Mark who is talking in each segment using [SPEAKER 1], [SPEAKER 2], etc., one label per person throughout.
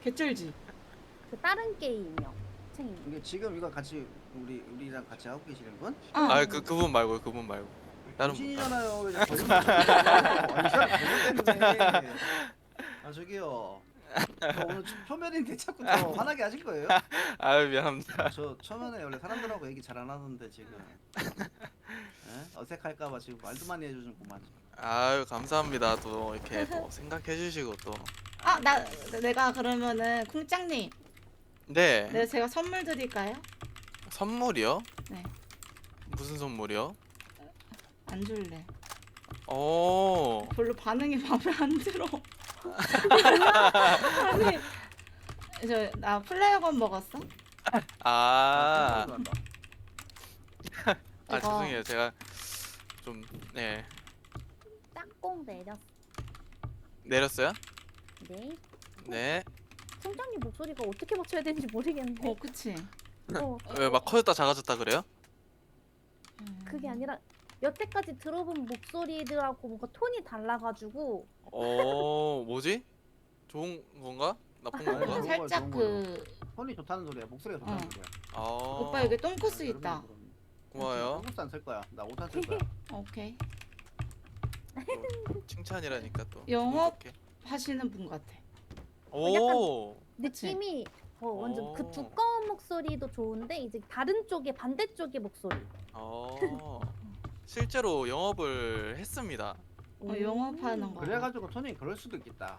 [SPEAKER 1] 개쩔지.
[SPEAKER 2] 그 다른 게임이요. 챙이.
[SPEAKER 3] 이게 지금 이거 같이 우리랑 같이 하고 계시는 분?
[SPEAKER 1] 어.
[SPEAKER 4] 그분 말고 그분 말고. 다른 분.
[SPEAKER 3] 당신이잖아요. 왜 거짓말? 아 저기요. 저 오늘 초면인데 자꾸 저 화나게 하실 거예요?
[SPEAKER 4] 아유 미안합니다.
[SPEAKER 3] 저 초면에 원래 사람들하고 얘기 잘 안 하는데 지금 어색할까봐 지금 말도 많이 해주는구만.
[SPEAKER 4] 아유 감사합니다. 또 이렇게 또 생각해주시고 또.
[SPEAKER 1] 아, 내가 그러면은 콩짱님,
[SPEAKER 4] 네.
[SPEAKER 1] 내가 제가 선물 드릴까요?
[SPEAKER 4] 선물이요?
[SPEAKER 1] 네.
[SPEAKER 4] 무슨 선물이요?
[SPEAKER 1] 안 줄래.
[SPEAKER 4] 오.
[SPEAKER 1] 별로 반응이 마음에 안 들어. 아니, 나 플레어건 먹었어?
[SPEAKER 4] 아.
[SPEAKER 1] 이거.
[SPEAKER 4] 죄송해요. 제가 좀 네.
[SPEAKER 2] 짝꿍 내렸어.
[SPEAKER 4] 내렸어요?
[SPEAKER 2] 네.
[SPEAKER 4] 네.
[SPEAKER 2] 총장님 목소리가 어떻게 맞춰야 되는지 모르겠는데.
[SPEAKER 1] 그치.
[SPEAKER 4] 왜 막 커졌다 작아졌다 그래요?
[SPEAKER 2] 그게 아니라 여태까지 들어본 목소리들하고 뭔가 톤이 달라가지고.
[SPEAKER 4] 뭐지? 좋은 건가? 나쁜
[SPEAKER 3] 아니,
[SPEAKER 4] 건가?
[SPEAKER 3] 좋은 거야,
[SPEAKER 1] 살짝
[SPEAKER 3] 좋은
[SPEAKER 1] 그
[SPEAKER 3] 톤이 좋다는 소리야. 목소리가 좋다는
[SPEAKER 1] 어.
[SPEAKER 3] 소리야.
[SPEAKER 4] 아.
[SPEAKER 1] 오빠 여기 똥코스 있다.
[SPEAKER 4] 고마워요.
[SPEAKER 3] 똥코스 안쓸 거야. 나 옷 안 쓸 거야.
[SPEAKER 1] 오케이.
[SPEAKER 4] 또 칭찬이라니까 또.
[SPEAKER 1] 영업?
[SPEAKER 4] 기분 좋게.
[SPEAKER 1] 하시는 분 같아.
[SPEAKER 4] 오.
[SPEAKER 1] 그치?
[SPEAKER 2] 느낌이 완전 그
[SPEAKER 4] 오.
[SPEAKER 2] 두꺼운 목소리도 좋은데 이제 다른 쪽에 반대쪽의 목소리.
[SPEAKER 4] 실제로 영업을 했습니다.
[SPEAKER 1] 영업하는 거.
[SPEAKER 3] 그래가지고 톤이 그럴 수도 있겠다.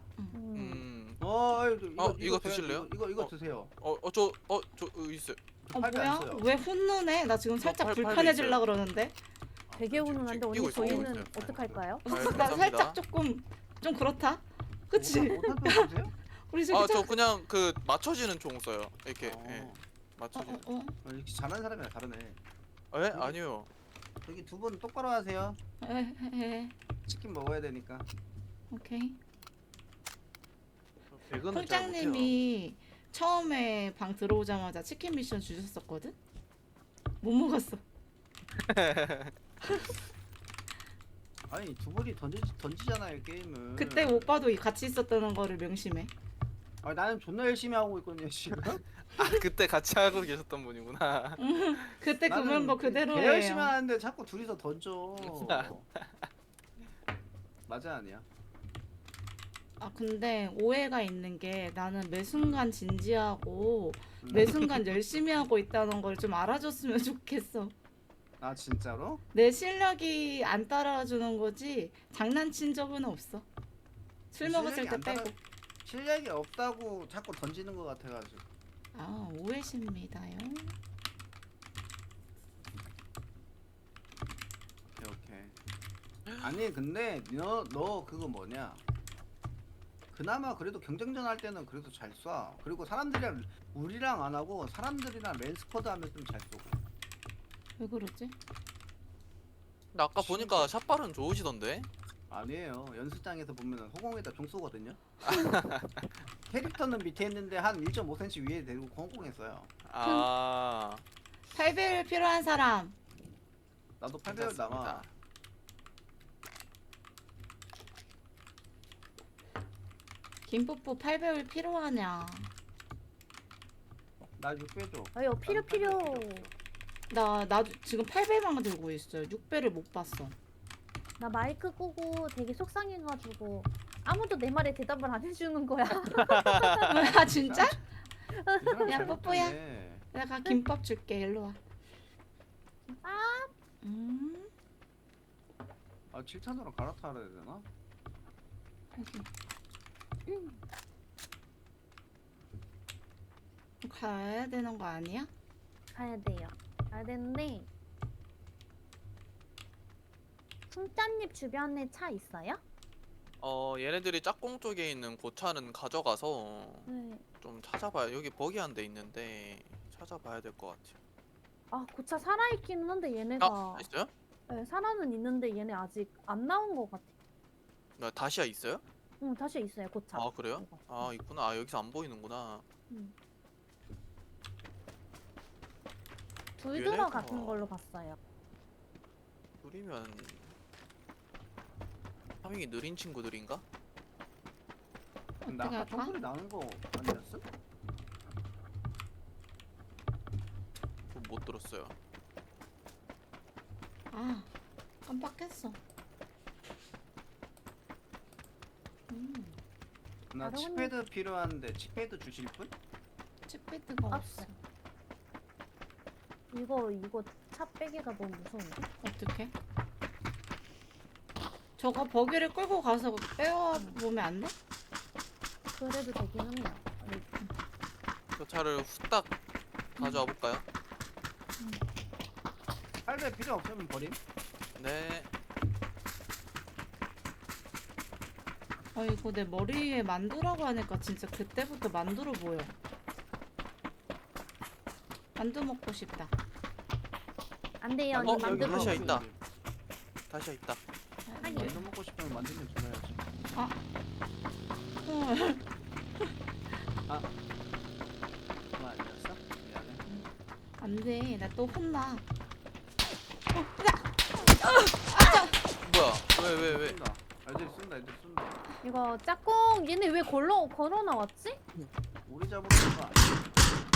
[SPEAKER 4] 이거 드실래요?
[SPEAKER 3] 이거 드세요.
[SPEAKER 4] 저 있어요.
[SPEAKER 3] 팔배 안
[SPEAKER 1] 뭐야?
[SPEAKER 3] 써요.
[SPEAKER 1] 왜 혼누네? 나 지금 살짝
[SPEAKER 4] 팔
[SPEAKER 1] 불편해질라 그러는데.
[SPEAKER 2] 되게 훈훈한데 언니
[SPEAKER 4] 끼고 있어요,
[SPEAKER 2] 저희는
[SPEAKER 4] 끼고 있어요.
[SPEAKER 2] 어떡할까요?
[SPEAKER 4] 아,
[SPEAKER 1] 나
[SPEAKER 4] 감사합니다.
[SPEAKER 1] 살짝 조금 좀 그렇다. 그치?
[SPEAKER 3] 옷한 톤 드세요?
[SPEAKER 1] 우리 저기
[SPEAKER 4] 저 그냥 그 맞춰지는 총 써요. 이렇게 예.
[SPEAKER 1] 어,
[SPEAKER 4] 맞춰지는.
[SPEAKER 3] 이렇게 잘하는 사람이랑 다르네.
[SPEAKER 4] 예? 아니요.
[SPEAKER 3] 저기 두 분 똑바로 하세요.
[SPEAKER 1] 에.
[SPEAKER 3] 치킨 먹어야 되니까.
[SPEAKER 1] 오케이.
[SPEAKER 4] 배그는 잘 못해요.
[SPEAKER 1] 콩짱님이 처음에 방 들어오자마자 치킨 미션 주셨었거든? 못 먹었어.
[SPEAKER 3] 아니 두 분이 던지잖아요 게임을.
[SPEAKER 1] 그때 오빠도 같이 있었다는 거를 명심해.
[SPEAKER 3] 아니 나는 존나 열심히 하고 있거든요 지금.
[SPEAKER 4] 그때 같이 하고 계셨던 분이구나.
[SPEAKER 1] 그때 그
[SPEAKER 3] 나는
[SPEAKER 1] 멤버
[SPEAKER 3] 개 열심히
[SPEAKER 1] 그대로예요.
[SPEAKER 3] 하는데 자꾸 둘이서 던져. 맞아 아니야?
[SPEAKER 1] 아 근데 오해가 있는 게 나는 매 순간 진지하고 매 순간 열심히 하고 있다는 걸 좀 알아줬으면 좋겠어.
[SPEAKER 3] 아 진짜로?
[SPEAKER 1] 내 실력이 안 따라주는 거지 장난친 적은 없어. 술 먹었을
[SPEAKER 3] 실력이
[SPEAKER 1] 때
[SPEAKER 3] 안 따라-
[SPEAKER 1] 빼고.
[SPEAKER 3] 실력이 없다고 자꾸 던지는 것 같아가지고.
[SPEAKER 1] 아 오해십니다요.
[SPEAKER 3] 오케이. 아니 근데 너 그거 뭐냐? 그나마 그래도 경쟁전 할 때는 그래도 잘 쏴. 그리고 사람들이랑 우리랑 안 하고 사람들이랑 랜스쿼드 하면 좀 잘 쏘고.
[SPEAKER 1] 왜 그러지?
[SPEAKER 4] 근데 아까 보니까 샷발은 좋으시던데.
[SPEAKER 3] 아니에요. 연습장에서 보면은 허공에다 종 쏘거든요. 캐릭터는 밑에 있는데 한 1.5cm 위에 대고 허공했어요.
[SPEAKER 4] 아.
[SPEAKER 1] 8배율 필요한 사람.
[SPEAKER 3] 나도 8배율 남아.
[SPEAKER 1] 김뽀뽀 8배율 필요하냐?
[SPEAKER 3] 나 6배 줘.
[SPEAKER 2] 아유 필요.
[SPEAKER 1] 나 지금 8배만 들고 있어요. 6배를 못 봤어.
[SPEAKER 2] 나 마이크 끄고 되게 속상해가지고 아무도 내 말에 대답을 안 해주는 거야.
[SPEAKER 1] 아 진짜?
[SPEAKER 3] 이 사람
[SPEAKER 1] 야,
[SPEAKER 3] 잘
[SPEAKER 1] 뽀뽀야.
[SPEAKER 3] 못하네.
[SPEAKER 1] 내가 김밥 줄게. 일로 와.
[SPEAKER 2] 김밥?
[SPEAKER 3] 아 7탄으로 갈아타야 되나?
[SPEAKER 1] 여기. 가야 되는 거 아니야?
[SPEAKER 2] 가야 돼요. 가야 되는데 풍짠잎 주변에 차 있어요?
[SPEAKER 4] 얘네들이 짝꿍 쪽에 있는 고차는 가져가서
[SPEAKER 2] 네.
[SPEAKER 4] 좀 찾아봐요. 여기 버기 한 대 있는데 찾아봐야 될 것 같아요.
[SPEAKER 2] 아 고차 살아있기는 한데 얘네가
[SPEAKER 4] 있어요?
[SPEAKER 2] 네, 살아는 있는데 얘네 아직 안 나온 것 같아.
[SPEAKER 4] 다시야 있어요?
[SPEAKER 2] 응 다시 있어요 고차.
[SPEAKER 4] 아 그래요?
[SPEAKER 2] 이거.
[SPEAKER 4] 아 있구나. 아 여기서 안 보이는구나.
[SPEAKER 2] 둘
[SPEAKER 4] 얘네가-
[SPEAKER 2] 들어갔는 걸로 봤어요.
[SPEAKER 4] 둘이면 파밍이 느린 친구들인가?
[SPEAKER 3] 근데
[SPEAKER 1] 어떻게
[SPEAKER 3] 아까
[SPEAKER 1] 할까?
[SPEAKER 3] 총소리 나는 거 아니었어?
[SPEAKER 4] 없어요.
[SPEAKER 1] 아 깜빡했어.
[SPEAKER 3] 나
[SPEAKER 2] 다른
[SPEAKER 3] 칩패드 필요한데 칩패드 주실 분?
[SPEAKER 1] 칩패드가 없어.
[SPEAKER 2] 없어. 이거 차 빼기가 너무 무서운데?
[SPEAKER 1] 어떻게? 저거 버기를 끌고 가서 빼와 보면 안 돼?
[SPEAKER 2] 그래도 되기는 해요.
[SPEAKER 4] 그 차를 후딱 가져와 볼까요?
[SPEAKER 3] 할배 필요 없으면 버림.
[SPEAKER 4] 네.
[SPEAKER 1] 아이고 내 머리에 만두라고 하니까 진짜 그때부터 만두로 보여. 만두 먹고 싶다.
[SPEAKER 2] 안 돼요.
[SPEAKER 4] 어,
[SPEAKER 2] 이 만두
[SPEAKER 4] 여기 다시야
[SPEAKER 2] 먹어야지.
[SPEAKER 4] 있다. 다시야 있다.
[SPEAKER 2] 하긴.
[SPEAKER 3] 만두 먹고 싶으면 만두면 줘야지.
[SPEAKER 1] 헐.
[SPEAKER 3] 그거 아니었어? 미안해.
[SPEAKER 1] 안돼 나 또 혼나.
[SPEAKER 4] 뭐야? 왜?
[SPEAKER 3] 쏜다. 애들 쏜다. 애들 쏜다.
[SPEAKER 2] 이거 짝꿍 얘네 왜 걸어 나왔지?
[SPEAKER 3] 우리 잡으러 온 거 아니야?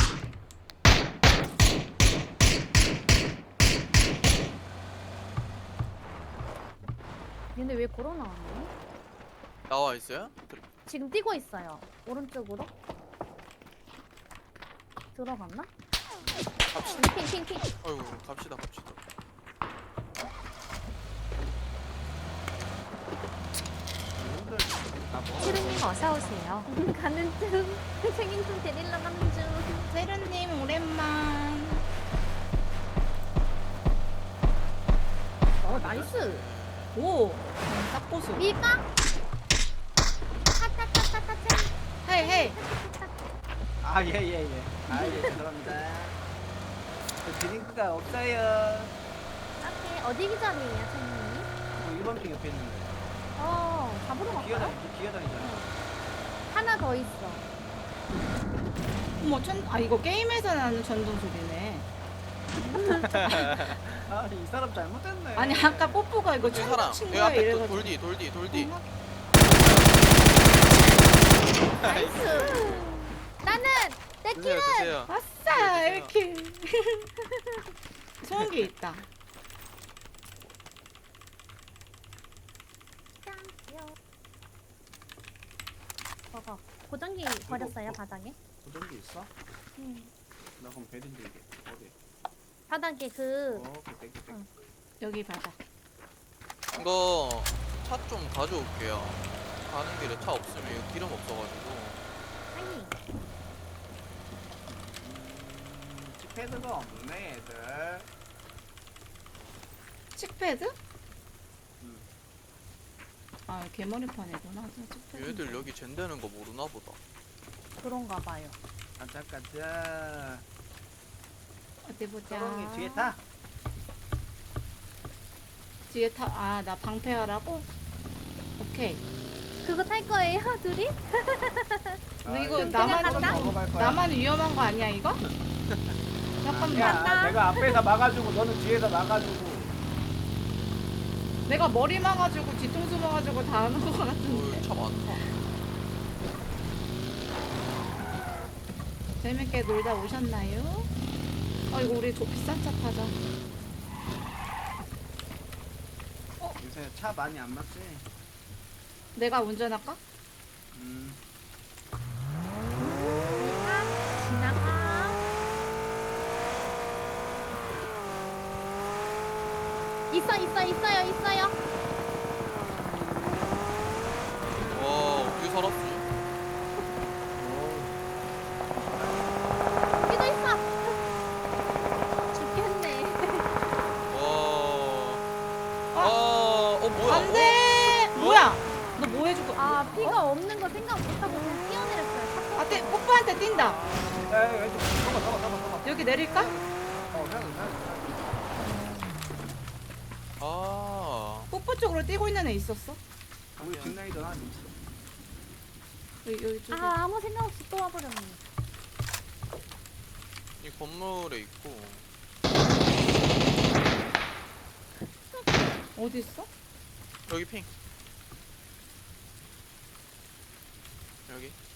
[SPEAKER 2] 얘네 왜 걸어 나왔니?
[SPEAKER 4] 나와 있어요?
[SPEAKER 2] 지금 뛰고 있어요. 오른쪽으로. 들어갔나?
[SPEAKER 4] 갑시다.
[SPEAKER 2] 핑핑핑.
[SPEAKER 4] 어이구, 갑시다.
[SPEAKER 3] 이분들 다 먹어.
[SPEAKER 5] 치루님 어서 오세요.
[SPEAKER 2] 가는 중. 생인충 데리러 가는 중.
[SPEAKER 1] 세르님 오랜만.
[SPEAKER 2] 나이스.
[SPEAKER 1] 오 딱 고수.
[SPEAKER 2] 밀까? 타타타타타타.
[SPEAKER 1] 헤이 헤이.
[SPEAKER 3] 아, 예. 아, 예, 죄송합니다. 저 드링크가 없어요.
[SPEAKER 2] 앞에 어디 기자리에요, 선생님?
[SPEAKER 3] 뭐 1번 핑 옆에 있는데.
[SPEAKER 2] 잡으러 갈까요?
[SPEAKER 3] 기어다니잖아.
[SPEAKER 2] 하나 더 있어.
[SPEAKER 1] 어머 이거 게임에서 나는 전동 소리네.
[SPEAKER 3] 아, 이 사람 잘못했네.
[SPEAKER 1] 아니 아까 뽀뽀가 이거
[SPEAKER 4] 여기 사람.
[SPEAKER 1] 친
[SPEAKER 4] 여기
[SPEAKER 1] 거야
[SPEAKER 4] 앞에 또
[SPEAKER 1] 이래가지고.
[SPEAKER 4] 돌디.
[SPEAKER 2] 나이스. 나는 내
[SPEAKER 4] 드세요,
[SPEAKER 2] 킬은
[SPEAKER 4] 드세요.
[SPEAKER 1] 아싸
[SPEAKER 4] 드세요.
[SPEAKER 1] 이렇게. 소음기 있다.
[SPEAKER 2] 저거 고정기 버렸어요 바닥에.
[SPEAKER 3] 고정기 있어? 나 그럼 베린데 이게 어디?
[SPEAKER 2] 바닥에 그
[SPEAKER 3] 오케이, 땡큐.
[SPEAKER 2] 응.
[SPEAKER 1] 여기 바닥.
[SPEAKER 4] 이거 차 좀 가져올게요. 가는 길에 차 없으면 이거 기름 없어가지고.
[SPEAKER 2] 아니
[SPEAKER 3] 칩패드가 없네, 애들.
[SPEAKER 1] 칙패드?
[SPEAKER 3] 음.
[SPEAKER 1] 아 개머리판이구나. 저 칙패드.
[SPEAKER 4] 얘들 여기 젠되는 거 모르나 보다.
[SPEAKER 2] 그런가 봐요.
[SPEAKER 3] 가자.
[SPEAKER 1] 어디 보자.
[SPEAKER 3] 서롱이 뒤에 타.
[SPEAKER 1] 뒤에 타. 아 나 방패하라고? 오케이.
[SPEAKER 2] 그거 탈 거예요 둘이?
[SPEAKER 1] 근데 이거
[SPEAKER 2] 그냥
[SPEAKER 1] 나만
[SPEAKER 2] 간다?
[SPEAKER 3] 먹어갈 거야.
[SPEAKER 1] 나만 위험한 거 아니야 이거? 잠깐만.
[SPEAKER 3] 야, 내가 앞에서 막아주고 너는 뒤에서 막아주고.
[SPEAKER 1] 내가 머리 막아주고 뒤통수 막아주고 다 하는 거 같은데.
[SPEAKER 4] 차 많다.
[SPEAKER 1] 재밌게 놀다 오셨나요? 이거 우리 비싼 차 타자.
[SPEAKER 3] 요새 차 많이 안 막지?
[SPEAKER 1] 내가 운전할까?
[SPEAKER 2] 지나가. 있어요.
[SPEAKER 4] 와, 어떻게 살았지?
[SPEAKER 2] 여기도 있어. 죽겠네.
[SPEAKER 4] 뭐야?
[SPEAKER 1] 안돼. 뭐야? 너 뭐 해주고?
[SPEAKER 2] 아 피가 없는 거 생각 못하고 그냥 뛰어내렸어요.
[SPEAKER 1] 아, 뽀뽀한테 뛴다.
[SPEAKER 3] 야, 잡아.
[SPEAKER 1] 여기 내릴까?
[SPEAKER 3] 그냥.
[SPEAKER 1] 뽀뽀 쪽으로 뛰고 있는 애 있었어?
[SPEAKER 3] 우리 뒷라이더 하나 있어.
[SPEAKER 1] 여기 쪽에.
[SPEAKER 2] 아 아무 생각 없이 또 와버렸네.
[SPEAKER 4] 이 건물에 있고.
[SPEAKER 1] 어디 있어?
[SPEAKER 4] 여기 핑. 여기.